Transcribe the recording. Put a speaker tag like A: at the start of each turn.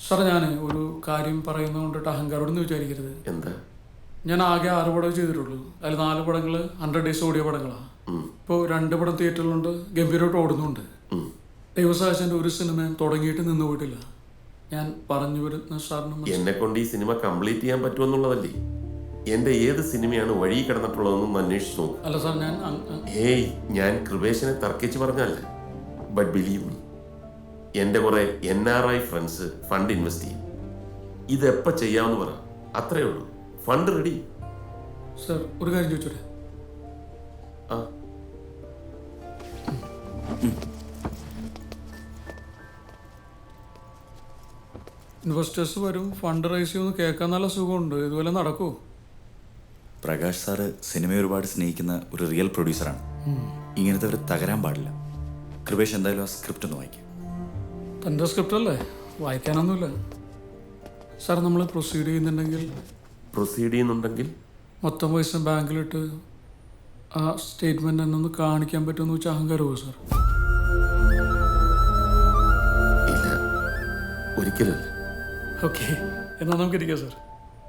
A: Sir ഞാൻ ഒരു കാര്യം പറയുന്നത് കൊണ്ടിട്ട് അഹങ്കാരോടൊന്നും വിചാരിക്കരുത്.
B: എന്താ?
A: ഞാൻ ആകെ 6 പടം ചെയ്തിട്ടുള്ളൂ. അതിൽ 4 പടങ്ങൾ 100 ഡേയ്സ് ഓടിയ പടങ്ങളാണ്. ഇപ്പോൾ 2 പടം തിയേറ്ററിലുണ്ട്, ഗംഭീരമായിട്ട് ഓടുന്നുണ്ട്. ദൈവസാക്ഷിൻ്റെ ഒരു സിനിമയും തുടങ്ങിയിട്ട് നിന്ന് പോയിട്ടില്ല. ഞാൻ പറഞ്ഞു വരുന്ന സാറിന്
B: എന്നെ കൊണ്ട് ഈ സിനിമ കംപ്ലീറ്റ് ചെയ്യാൻ പറ്റുമെന്നുള്ളതല്ലേ? എന്റെ ഏത് സിനിമയാണ് വഴി കിടന്നിട്ടുള്ളതെന്നൊന്ന് അന്വേഷിച്ചു നോക്കും.
A: അല്ല സാർ,
B: ഞാൻ കൃപേശനെ തർക്കിച്ച് പറഞ്ഞല്ല. ബട്ട് ബിലീവ് മീ, എൻ്റെ കുറെ NRI ഫ്രണ്ട്സ് ഫണ്ട് ഇൻവെസ്റ്റ് ചെയ്യും. ഇതെപ്പോൾ ചെയ്യാമെന്ന് പറ, അത്രേ ഉള്ളൂ. Fund ready.
A: സാർ ഒരു കാര്യം ചോദിച്ചോട്ടെ?
B: ആ,
A: ഇൻവെസ്റ്റേഴ്സ് വരും, ഫണ്ട് റൈസ് ചെയ്യുമെന്ന് കേൾക്കാൻ നല്ല സുഖമുണ്ട്. ഇതുപോലെ നടക്കുമോ?
C: പ്രകാശ് സാറ് സിനിമയെ ഒരുപാട് സ്നേഹിക്കുന്ന ഒരു റിയൽ പ്രൊഡ്യൂസറാണ്. ഇങ്ങനത്തെ ഒരു തകരാൻ പാടില്ല. കൃപേഷ് എന്തായാലും ആ സ്ക്രിപ്റ്റ് ഒന്ന് വായിക്കും.
A: തൻ്റെ സ്ക്രിപ്റ്റ് അല്ലേ, വായിക്കാനൊന്നുമില്ല. സാർ നമ്മൾ പ്രൊസീഡ് ചെയ്യുന്നുണ്ടെങ്കിൽ മൊത്തം പൈസ ബാങ്കിലിട്ട് ആ സ്റ്റേറ്റ്മെൻറ്റ് എന്നെ ഒന്ന് കാണിക്കാൻ പറ്റുമെന്ന് വെച്ചാൽ അഹങ്കാരമോ സാർ?
B: ഇല്ല, ഒരിക്കലും.
A: ഓക്കെ, എന്നാൽ നമുക്കിരിക്കാം സാർ.